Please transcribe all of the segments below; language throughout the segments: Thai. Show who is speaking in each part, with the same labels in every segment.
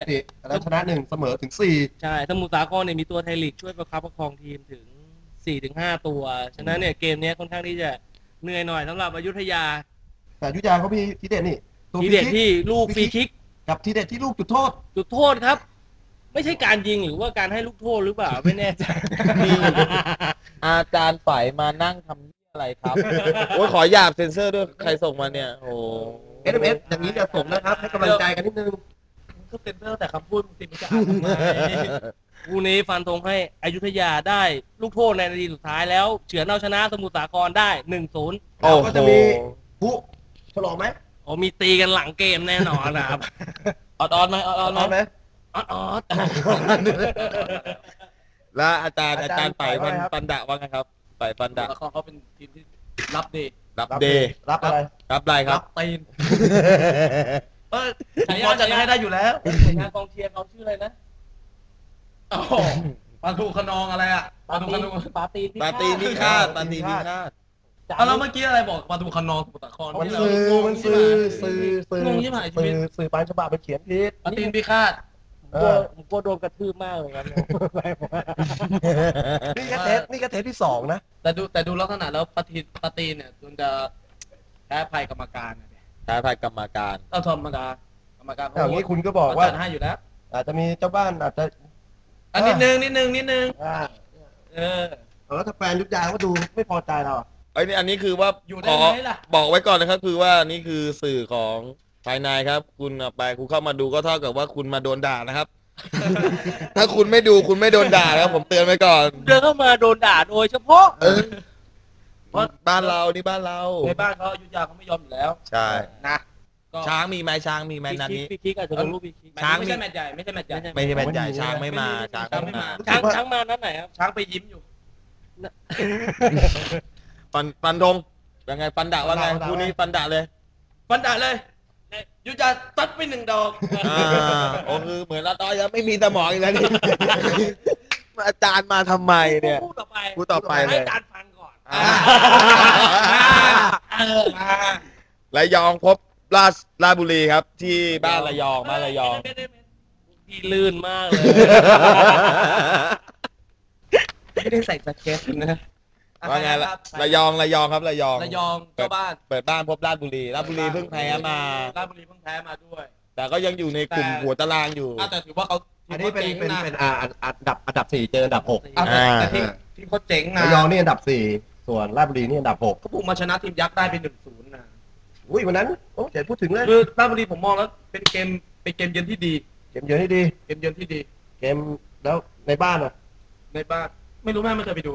Speaker 1: ติแล้วชนะ1เสมอถึง4
Speaker 2: ใช่สมุทรสาครเนี่ยมีตัวไทยลีกช่วยประคับประคองทีมถึง 4-5 ตัวฉะนั้นเนี่ยเกมนี้ค่อนข้างที่จะเหนื่อยหน่อยสำหรับอยุธยา
Speaker 1: แต่อยุธยาเขามีทีเด็ดนี่
Speaker 2: ทีเด็ดที่ลูกฟรีคิก
Speaker 1: กับทีเด็ดที่ลูกจุดโทษ
Speaker 2: ครับไม่ใช่การยิงหรือว่าการให้ลูกโทษหรือเปล่าไม่แน่ใจ
Speaker 3: อาจารย์ฝ่ายมานั่งทำอะไรครับโอ้ยขอหยาบเซ็นเซอร์ด้วยใครส่งมาเนี่ยโอ้
Speaker 1: SMS อย่างนี้จะส่งนะครับให้กำลังใจกันนิดนึง
Speaker 2: ก็เซ็นเซอร์แต่คำพูดติดมันจะอ่านทำไมคู่นี้ฟันธงให้อยุธยาได้ลูกโทษในนาทีสุดท้ายแล้วเฉือนเอาชนะสมุทรสาครได้ 1-0
Speaker 1: แล้วก็จะมีผู้ฉลองไหม
Speaker 2: มีตีกันหลังเกมแน่นอนนะครับออดไหมออดไหม
Speaker 3: แล้วอาจารย์ฝ่ายปันดะว่าไงครับฝ่ายปันดะ
Speaker 2: เขาเป็นทีมที่รับเดย์
Speaker 1: รับอะไร
Speaker 3: รับอะไรครับ
Speaker 2: ตีนฉายาจะให้ได้อยู่แล้วฉายากองเชียร์เขาชื่ออะไรนะปาทูขนองอะไรอ่ะปาทูขนองปาตี
Speaker 3: นิฆาต
Speaker 2: แล้วเมื่อกี้อะไรบอกปาทูขนองสมุทรสาคร
Speaker 1: มันสื่อง
Speaker 2: งยิ่งหายชีวิต
Speaker 1: สื่อปานฉบับไปเขียนผิด
Speaker 2: ปาตีนพิฆาตผมกลัวโดนกระทืบมากเลยครับ
Speaker 1: นี่ก็เทปที่2นะ
Speaker 2: แต่ดูลักษณะแล้วปาตีนเนี่ยมันจะแพ้ภัยกรรมการ
Speaker 3: แพ้ภัยกรรมการ
Speaker 2: ต้องทำกรรมการ
Speaker 1: อย่างนี้คุณก็บอกว่า
Speaker 2: ให้อยู่แล้ว
Speaker 1: อาจจะมีเจ้าบ้านอาจจะ
Speaker 2: นิดนึง
Speaker 1: แล้วถ้าแฟนยุทธยาก็ดูไม่พอใจเรา
Speaker 3: อันนี้คือว่าบอกไว้ก่อนนะครับคือว่านี่คือสื่อของภายในครับคุณไปคุณเข้ามาดูก็เท่ากับว่าคุณมาโดนด่านะครับถ้าคุณไม่ดูคุณไม่โดนด่าครับผมเตือนไว้ก่อน
Speaker 2: เดินเข้ามาโดนด่าโดยเฉพาะ
Speaker 3: เพราะบ้านเรานี่บ้านเรา
Speaker 2: ในบ้านเขาอยุธยาเขาไม่ยอมอยู่แล้ว
Speaker 3: ใช่นะช้างมีไหมช้างมีไหมนัดนี้
Speaker 2: พี่คิกอาจจะลงรูปพี่คิกช้างไม่ใช่แมตช์ใหญ่ไม่ใช่แมตช์ใหญ่
Speaker 3: ช้างไม่มาช้
Speaker 2: างมานัดไหนครับช้างไปยิ้มอยู่
Speaker 3: ปันธงยังไงปันดะว่าไงคู่นี้ปันดะเลย
Speaker 2: ยุจะตัดไป1 ดอก
Speaker 3: โอ้คือเหมือนเราตอนยังไม่มีสมองอีกแล้วนี่อาจารย์มาทำไมเนี่ย
Speaker 2: พูดต่อไป
Speaker 3: เลย
Speaker 2: ให้อาจารย์ฟังก่อน
Speaker 3: ระยองพบราชบุรีครับที่บ้านระยอง
Speaker 2: ที่ลื่นมากเลยไม่ได้ใส่สเก็ตนะ
Speaker 3: ว่าไงระยองครับระยอง
Speaker 2: เจ้าบ้าน
Speaker 3: เปิดบ้านพบราชบุรีเพิ่งแพ้มา
Speaker 2: ด้วย
Speaker 3: แต่ก็ยังอยู่ในกลุ่มหัวตารางอยู่
Speaker 2: แต่ถือว่าเขา
Speaker 1: อันนี้เป็นอันดับ4เจออันดับ6
Speaker 2: แต่ที่เขาเจ๋งนะ
Speaker 1: ระยองนี่อันดับ4ส่วนราชบุรีนี่อันดับ6
Speaker 2: เขาบุกมาชนะทีมยักษ์ได้เป็น 1-0 นะ
Speaker 1: วันนั้นเดี๋ยวพูดถึงเลย
Speaker 2: คือราชบุรีผมมองแล้วเป็นเกมเยือนที่ดี
Speaker 1: เกมแล้วในบ้าน
Speaker 2: ไม่รู้แม่ไม่เคยไปดู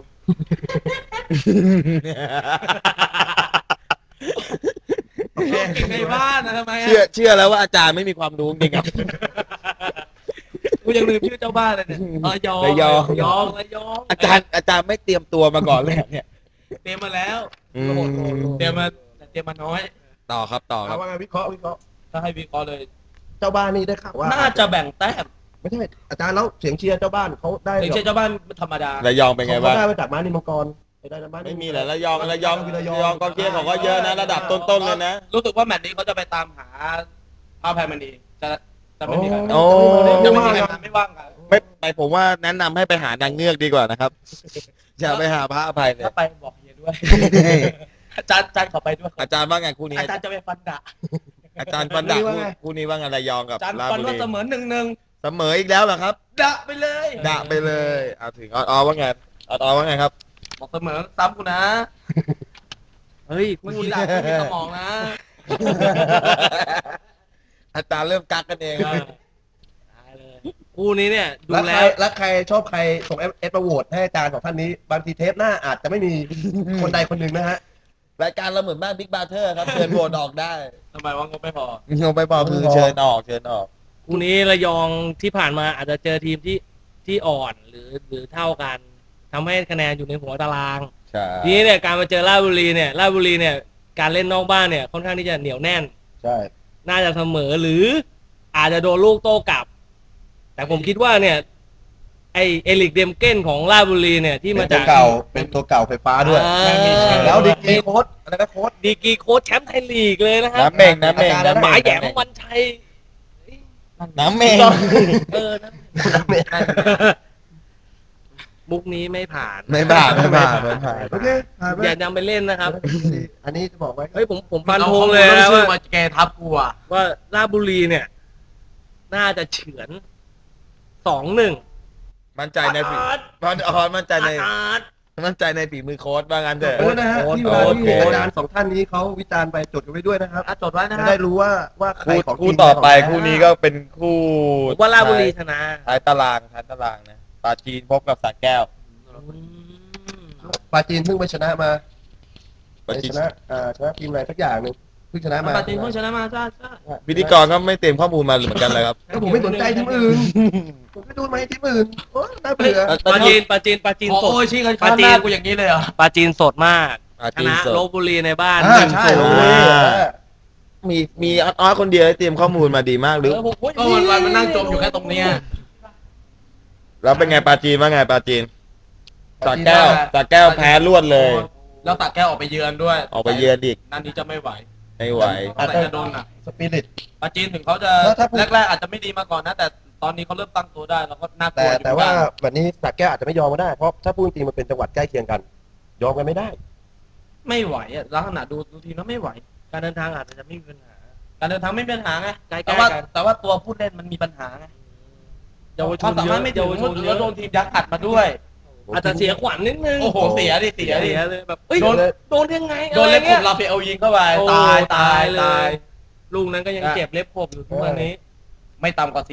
Speaker 2: ในบ้านนะทำไม
Speaker 3: เชื่อแล้วว่าอาจารย์ไม่มีความรู้จริงครับ
Speaker 2: กูยังลืมชื่อเจ้าบ้านเลยเนี่ย
Speaker 3: ระยองอาจารย์ไม่เตรียมตัวมาก่อนเลยเนี่ย
Speaker 2: เตรียมมาแล้วเตรียมมาน้อย
Speaker 3: ต่อครับ
Speaker 1: ว่าไงวิเคราะห์
Speaker 2: ถ้าให้วิเคราะห์เลย
Speaker 1: เจ้าบ้านนี่ได้ข่าวว่า
Speaker 2: น่าจะแบ่งแต้ม
Speaker 1: ไม่ใช่อาจารย์แล้วเสียงเชียร์เจ้าบ้านเขาได้
Speaker 2: เสียงเชียร์เจ้าบ้านธรรมดา
Speaker 3: ระยองเป็นไงบ้าง
Speaker 1: ได้มาจากม้านิมังกร
Speaker 3: ไม่มีแหละระยองกองเชียร์เขาก็เยอะนะระดับต้นๆเลยนะ
Speaker 2: รู้สึกว่าแมตช์นี้เขาจะไปตามหาพระแพรมณีจะไม่มีใครไม่ว่างกัน
Speaker 3: ไม่ผมว่าแนะนำให้ไปหานางเงือกดีกว่านะครับอย่าไปหาพระอภัยเลย
Speaker 2: ถ้าไปบอกเฮียด้วยอาจารย์ขอไปด้วย
Speaker 3: อาจารย์ว่าไงคู่นี้
Speaker 2: อาจารย์จะไปฟันดะ
Speaker 3: อาจารย์ฟันดะคู่นี้ว่าไงระยองกับ
Speaker 2: ราชบุรีเสมอ 1-1
Speaker 3: เสมออีกแล้วเหรอครับ
Speaker 2: ดะไปเลย
Speaker 3: เอาถึงว่าไงว่าไงครับ
Speaker 2: บอกเสมอซ้ำกูนะเฮ้ยคู่นี้หลักไม่มีสมองนะ
Speaker 3: อาจารย์เริ่มกักกันเองครับ
Speaker 2: คู่นี้เนี่ยดู
Speaker 1: แล้วใครชอบใครส่งเอฟโหวตให้อาจารย์ของท่านนี้บางทีเทปหน้าอาจจะไม่มีคนใดคนหนึ่งนะฮะ
Speaker 3: รายการเราเหมือนบ้านบิ๊กบาร์เทอร์ครับเชิญโหวตออกได้
Speaker 2: ทำไมว่างบไม่พอ
Speaker 3: คือเชิญออก
Speaker 2: คู่นี้ระยองที่ผ่านมาอาจจะเจอทีมที่อ่อนหรือเท่ากันทำให้คะแนนอยู่ในหัวตารางทีนี้เนี่ยการมาเจอราชบุรีเนี่ยการเล่นนอกบ้านเนี่ยค่อนข้างที่จะเหนียวแน่น
Speaker 1: ใช่
Speaker 2: น่าจะเสมอหรืออาจจะโดนลูกโต้กลับแต่ผมคิดว่าเนี่ยไอเอลิกเดมเก้นของราชบุรีเนี่ยที่มาจาก
Speaker 1: เป็นตัวเก่าไฟฟ้าด้วยแล้วดีกีโค้ชอะไรนะโค้ช
Speaker 2: ดีกีโค้ชแชมป์ไทยลีกเลยนะครับ
Speaker 3: น้ำเม่ง
Speaker 2: หมายแหยมวันชัย
Speaker 3: น้ำเมง
Speaker 1: น้ำเมง
Speaker 2: มุกนี้ไม่ผ่าน
Speaker 3: ไม่ผ่านไม่ผ่านไม่ผ่าน
Speaker 1: โอเคผ่านไป
Speaker 2: อย่านำไปเล่นนะครับ
Speaker 1: อันนี้จะบอกไว้
Speaker 2: เฮ้ยผมฟันธงเลยนะ
Speaker 4: ชื่อ
Speaker 2: ว่า
Speaker 4: มาแกทับกูอ่ะ
Speaker 2: ว่าราชบุรีเนี่ย น่าจะเฉือน 2-1
Speaker 3: มั่นใจในฝีมั่นใจในฝีมือโค้ชว่างั้นเถอะ
Speaker 1: โอ้นะฮะที่ว่าที่อาจารย์2ท่านนี้เขาวิจารณ์ไปจดกันไว้ด้วยนะครับ
Speaker 4: จดไว้นะ
Speaker 1: จะ
Speaker 4: ฮะ
Speaker 1: ได้รู้ว่าใครของ
Speaker 3: คู่ต่อไปคู่นี้ก็เป็นคู่
Speaker 2: ผมว่าราชบุรีชนะ
Speaker 3: ท้ายตารางนะปราจีนพบกับสระแก้ว
Speaker 1: ปาจีนเพิ่งไปชนะมา
Speaker 3: ปราจี
Speaker 1: ช
Speaker 3: น
Speaker 1: นะชนะทีมอะไรสักอย่างหนึ่งเพิ่งชนะมา
Speaker 4: ปาจีนเพิ่งชนะมาจ้า
Speaker 3: พิธีกรก็ไม่เตรียมข้อมูลมาเหมือนกันเลยครับ
Speaker 1: ก็ผมไม่สนใจทีมอื่นผมไม่ดูมาทีมอื่นโอ้น่าเบื่อ
Speaker 2: ปาจีนส
Speaker 4: โอ้
Speaker 2: ด
Speaker 4: ยชี้กันข้างหน้ากูอย่างนี้เลยเหรอ
Speaker 2: ปาจีนสดมาก
Speaker 3: ปรา
Speaker 2: ช
Speaker 3: จีน
Speaker 2: นะ
Speaker 3: สด
Speaker 2: ลพบุรีในบ้าน
Speaker 1: ใช่
Speaker 2: 1-0
Speaker 1: โอ้ย
Speaker 3: มีออสคนเดียวที่เตรียมข้อมูลมาดีมากหรือ
Speaker 4: ก็วันมันนั่งจมอยู่แค่ตรงเนี้ย
Speaker 3: แล้วเป็นไงปราจีนว่าไงปราจีนสระแก้วแพ้รวดเลย
Speaker 4: แล้วตักแก้วออกไปเยือนด้วย
Speaker 3: ออกไปเยือนอีก
Speaker 4: นั่นนี้จะไม่ไหว
Speaker 3: ไม่ไหว
Speaker 4: แต่จะโดนอ่ะ
Speaker 1: สปิริต
Speaker 4: ปาจีนถึงเขาจะ
Speaker 1: ถ้าพูด
Speaker 4: แรกๆอาจจะไม่ดีมาก่อนนะ แต่ตอนนี้เขาเริ่มตั้งตัวได้แล้วก็น่ากลัวอยู่
Speaker 1: แต่ว่าแบบนี้สระแก้วอาจจะไม่ยอมก็ได้เพราะถ้าพูดจริงมันเป็นจังหวัดใกล้เคียงกัน ยอมกันไม่ได้
Speaker 4: ไม่ไหวอ่ะลักษณะดูทีแล้วไม่ไหว
Speaker 2: การเดินทางอาจจะไม่มีปัญหา
Speaker 4: การเดินทางไม่มีปัญหาไง
Speaker 2: ใกล้ๆ
Speaker 4: แต่ว่า
Speaker 2: กัน
Speaker 4: แต่ว่าตัวผู้เล่นมันมีปัญหาไง
Speaker 2: เยาวชน
Speaker 4: ควมสา
Speaker 2: เย
Speaker 4: มาร
Speaker 2: อะ
Speaker 4: ถไม่ถึ
Speaker 2: เยาง วชนเย
Speaker 4: แล้ว
Speaker 2: อะ
Speaker 4: โดนทีมยักษ์อัดมาด้วย
Speaker 2: อาจจะเสียขวัญนิดนึง
Speaker 4: โอ้โหเสียดิ
Speaker 2: เลยแบบเอ้ย
Speaker 4: โดน
Speaker 2: โดนยังไง
Speaker 4: โดนเล็บ
Speaker 2: อะไร
Speaker 4: ข
Speaker 2: งี้
Speaker 4: บ
Speaker 2: ย
Speaker 4: ลาเฟลยิงเข้าไป
Speaker 2: โอ้
Speaker 4: ตาย
Speaker 2: ลูกนั้นก็ยังเจ็บเล็บขบอยู่ทุกวันนี้
Speaker 4: ไม่ต่ำกว่า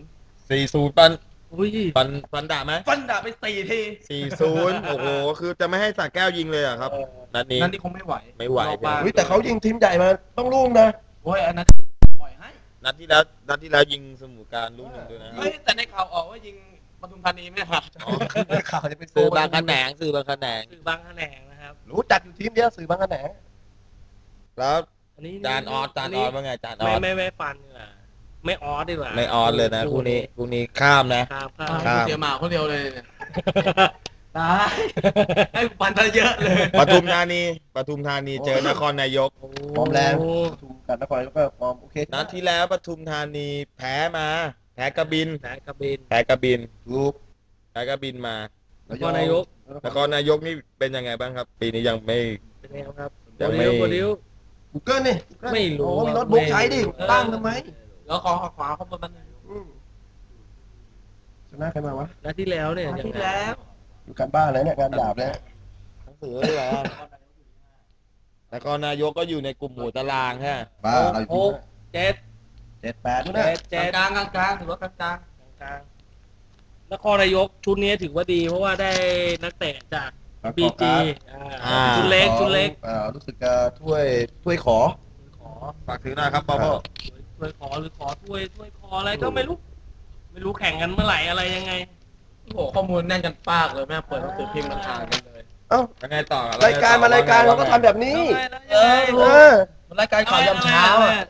Speaker 3: 40ปัน
Speaker 2: อุ้ย
Speaker 3: ปันด่าไหม
Speaker 4: 4-0ฟันด่าไป4 ที
Speaker 3: 40โอ้โหคือจะไม่ให้สระแก้วยิงเลยเหรอะครับนัดนี้
Speaker 4: นั่นนี่คงไม่ไหว
Speaker 3: ไม่ไหว
Speaker 1: อุ๊ยแต่เขายิงทีมใหญ่มาต้องรุ่งนะ
Speaker 4: โอ้ยอันนั้นปล่อยให้
Speaker 3: นัดที่แล้วยิงสมุทรการลูกหนึ่งด้วยนะ
Speaker 4: เฮ้ยแต่ในข่าวออกว่ายิงปทุมธานีไม่ครับ
Speaker 1: ข่าวจะเป็น
Speaker 3: สื่อบางขนงสื่อบางขนง
Speaker 2: คือบางแขนงนะครับ
Speaker 1: รู้จักอยู่ทีมเดียวสื่อบางกระแหน
Speaker 3: แล้ว
Speaker 2: อันนี้
Speaker 3: จานออสว่าไงจานออส
Speaker 2: ไม่ฟันดีกว่าไม่ออสดีกว่า
Speaker 3: ไม่ออสเลยนะคู่นี้ข้ามนะ
Speaker 2: ครับ
Speaker 3: ครับ
Speaker 4: เสียหมาคนเดียวเลยเนี่ยตายให้ปันซะเยอะเลย
Speaker 3: ปทุมธานีเจอนครนายก
Speaker 1: ฟอร์มแรงถูกกันนครแล้วก็ฟอร์มโอเค
Speaker 3: นัดที่แล้วปทุมธานีแพ้กระบิน
Speaker 2: แพ้กระบิน
Speaker 3: แพ้กระบิน
Speaker 1: ถูก
Speaker 3: แพ้กระบินมา
Speaker 2: นครนายก
Speaker 3: นครนายกนี่เป็นยังไงบ้างครับ ปีนี้ยังไม่
Speaker 2: เป็นไงครับ
Speaker 3: ยังไม่
Speaker 2: โบดิว
Speaker 1: กูเกิลนี่
Speaker 2: ไม่รู้
Speaker 1: โอ้มีรถบุ๊กใช้ดิตั้งทำไม
Speaker 4: แล้วขอขวาเขาบนมัน
Speaker 1: ชนะใครมาวะ
Speaker 2: นัดที่แล้วเนี่ย
Speaker 4: ที่
Speaker 2: ยังไง
Speaker 4: แล้ว
Speaker 1: อยู่การบ้านเลยเนี่ยการดาบเนี่ย
Speaker 3: หนังสือเลยนะนครนายกก็อยู่ในกลุ่มหมู่ตารางใช่ไหม
Speaker 1: บ้าเราอยู่
Speaker 2: 6
Speaker 1: 7-8นู่นนะ
Speaker 4: กลางถือว่ากลาง
Speaker 2: กลางนครนายกชุดนี้ถือว่าดี เพราะว่าได้นักเตะจากบีจีชุดเล็ก
Speaker 1: รู้สึกจะถ้วยขอ
Speaker 3: ฝากถือหน่อยครับพ่อ
Speaker 2: ถ้วยขอหรือขอถ้วยขออะไรก็ไม่รู้แข่งกันเมื่อไหร่อะไรยังไง
Speaker 4: โอ้โหข้อมูลแน่นกันปากเลยแม่เปิดหนังสือพิมพ์มันอ่านกันเลย
Speaker 1: เอ้า
Speaker 3: ยังไงต่อ
Speaker 1: รายการเราก็ทำแบบนี้
Speaker 4: เออ
Speaker 1: เออ
Speaker 4: รายการข่าวยามเช้าอ่ะ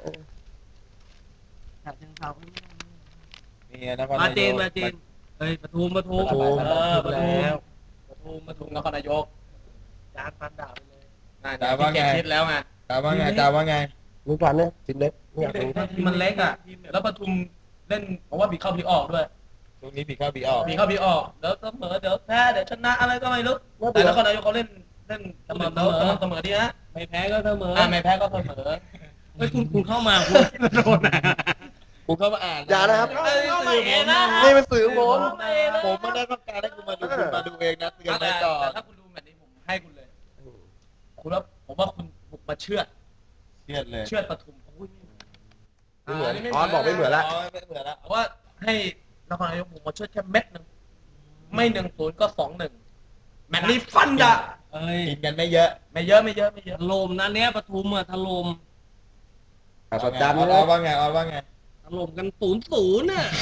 Speaker 3: นี่นคร
Speaker 2: มา
Speaker 3: นา
Speaker 2: เจ
Speaker 3: ย
Speaker 2: น
Speaker 3: ก
Speaker 2: เฮ้ยปทุม
Speaker 4: ปทุม
Speaker 2: แล้วปทุม
Speaker 4: นครนายก
Speaker 2: จานฟันดาบไปเลย
Speaker 4: น่าจะที่เก็บคิดแล้วไง
Speaker 3: ตามว่าไง
Speaker 1: มึงฟันเนี่ยทีมเล็กเนี่ย
Speaker 4: ทีมมันเล็กอ่ะแล้วปทุมเล่นเพราะว่าบีเข้าบีออกด้วย
Speaker 3: ช่วงนี้ผีเข้าผีออก
Speaker 4: บีเข้าบีออกแล้วเสมอเดี๋ยวแพ้เดี๋ยวชนะอะไรก็ไม่รู้แต่นครนายกเขาเล่นเสมอดีนะ
Speaker 2: ไม่แพ้ก็เสมอ
Speaker 4: ไม่แพ้ก็เสมอ
Speaker 2: เฮ้ยคุณเข้ามาคุณโดนนะ
Speaker 3: กูเข้ามาอ่าน
Speaker 1: อย่านะครับ
Speaker 2: นี่
Speaker 1: นี่เป็นสื่อผม
Speaker 3: ผมไม่ได้ต้องการให้คุณมาดูคุณมาดูเองนะเตือนไว้ก่อน
Speaker 4: ถ้าคุณดูแบบนี้ผมให้คุณเลยคุณว่าผมว่าคุณบุกมาเชื่อด
Speaker 3: เครียดเลย
Speaker 4: เชื่อดปทุม
Speaker 1: ไม่เหมือนออนบอกไม่เหมือนละ
Speaker 3: ไม่เหมือนละ
Speaker 4: เพราะว่าให้นครนายกบุกมาเชื่อดแค่เม็ดนึงไม่1-0ก็2-1แมตช์นี้ฟันดะ
Speaker 2: เอ้ย
Speaker 3: กินกันไม่เยอะ
Speaker 4: ไม่เยอะ
Speaker 2: ถล่มนะเนี้ยปทุมอะถล่ม
Speaker 1: สดจัน
Speaker 3: ออว่าไง
Speaker 2: ถล่มกัน0-0น่ะ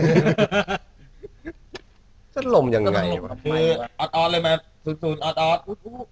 Speaker 1: จะลมยังไงวะ
Speaker 3: คือออดเลยมา00ออด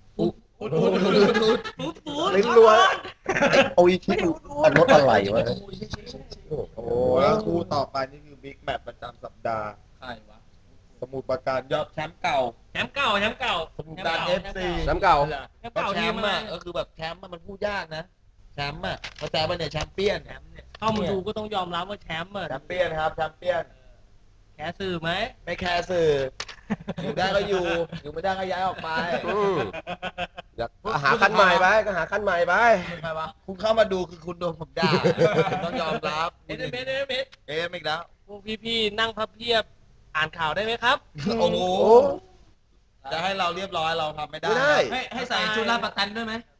Speaker 1: ลิ้นรัวโอ้ยคิดมันรถอะไรวะ
Speaker 3: โอ้แล้วคู่ต่อไปนี่คือบิ๊กแมตช์ประจำสัปดาห์
Speaker 4: ใช่วะ
Speaker 3: สมุทรปราการยอดแชมป์เก่า
Speaker 2: แชมป์เก่า
Speaker 3: สมุทรปราการ FC
Speaker 1: น้ำเก่า
Speaker 2: แชมป์เก่า
Speaker 3: แช
Speaker 2: ทีม
Speaker 3: มป์
Speaker 2: มา
Speaker 3: อ่ะก็คือแบบแชมป์มันพูดยากนะแชมป์อ่ะเขาแชมป์เนี่ยแชมเปี้ยน
Speaker 2: แชมป์เนี่ยเข้ามาดูก็ต้องยอมรับว่าแชมป์อะ
Speaker 3: แชมเปี้ยนครับแชมเปี้ยน
Speaker 2: แคสสื่อไหม
Speaker 3: ไม่แคร์สื่ออยู่ได้ก็อยู่ไม่ได้ก็ย้ายออกไป
Speaker 1: อยากหาคันใหม่ไปก็หาคันใหม่ไป
Speaker 4: ใครวะ
Speaker 3: คุณเข้ามาดูคือคุณโดนผมด่าคุณต้องยอมรับ
Speaker 2: เอ็มเอ็ม
Speaker 3: เอ็มอีกแล้ว
Speaker 2: พวกพี่ๆนั่งพับเพียบอ่านข่าวได้ไหมครับ
Speaker 3: โอ้โห
Speaker 1: โอ้
Speaker 3: จะให้เราเรียบร้อยเราทำไม่ได้
Speaker 1: ไม่ได้
Speaker 4: ให้ใส่ชุดลาดประกันด้วยไหม